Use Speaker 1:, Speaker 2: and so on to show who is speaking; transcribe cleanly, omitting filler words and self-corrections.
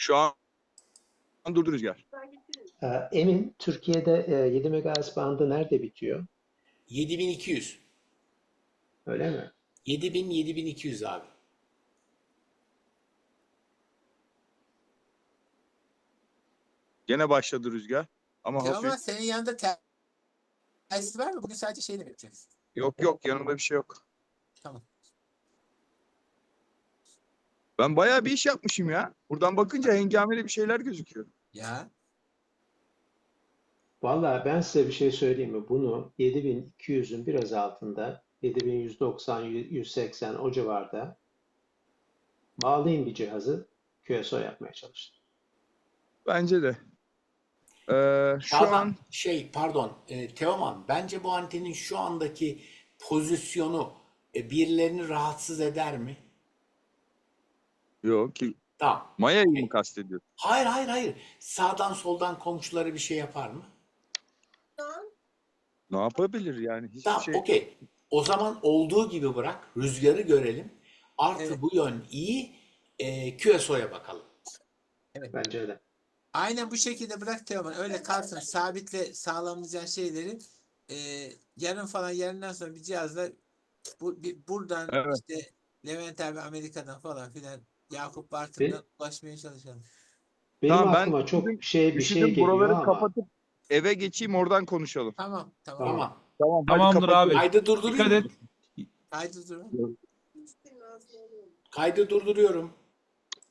Speaker 1: Şu an durdu Rüzgar.
Speaker 2: Emin, Türkiye'de 7 MHz bandı nerede bitiyor?
Speaker 3: 7200.
Speaker 2: Öyle mi?
Speaker 3: 7200 abi.
Speaker 1: Gene başladı Rüzgar. Ama
Speaker 4: Teoman
Speaker 1: hafif.
Speaker 4: senin yanında telsiz var mı? Bugün sadece şeyle mi yapacaksın?
Speaker 1: Yok yanımda bir şey yok.
Speaker 4: Tamam.
Speaker 1: Ben bayağı bir iş yapmışım ya. Buradan bakınca hengameli bir şeyler gözüküyor.
Speaker 4: Ya.
Speaker 2: Vallahi ben size bir şey söyleyeyim mi? Bunu 7200'ün biraz altında, 7190, 180 o civarda bağlayın bir cihazı, QSO yapmaya çalıştım.
Speaker 1: Bence de. Şu
Speaker 3: Şadan,
Speaker 1: an
Speaker 3: pardon, Teoman, bence bu antenin şu andaki pozisyonu birilerini rahatsız eder mi?
Speaker 1: yok ki.
Speaker 3: Tamam.
Speaker 1: Maya'yı mı kastediyor?
Speaker 3: Hayır. Sağdan soldan komşuları bir şey yapar mı?
Speaker 1: Ne yapabilir yani? Hiçbir
Speaker 3: Tamam,
Speaker 1: şey.
Speaker 3: okey. O zaman olduğu gibi bırak, rüzgarı görelim. Artı
Speaker 4: Evet.
Speaker 3: bu yön iyi, QSO'ya bakalım.
Speaker 2: Bence de.
Speaker 4: Aynen bu şekilde bırak Teoman. Öyle kalsın. Sabitle sağlamayacağın şeyleri yarın falan yarından sonra bir cihazla buradan
Speaker 1: Evet.
Speaker 4: işte Levent abi Amerika'dan falan filan Yakup Bartın'dan ulaşmaya çalışalım.
Speaker 2: Benim
Speaker 1: Tamam, ben
Speaker 2: aklıma çok bir şey
Speaker 1: üşüdüm,
Speaker 2: geliyor
Speaker 1: buraları
Speaker 2: ama
Speaker 1: kapatıp eve geçeyim, oradan konuşalım.
Speaker 4: Tamam.
Speaker 3: Tamam.
Speaker 1: Tamam, hadi
Speaker 5: Tamamdır
Speaker 1: kapatıyorum.
Speaker 5: abi.
Speaker 3: Kaydı durdurayım
Speaker 5: Dikkat
Speaker 3: mı?
Speaker 5: et.
Speaker 4: Haydi durun.
Speaker 3: Kaydı durduruyorum.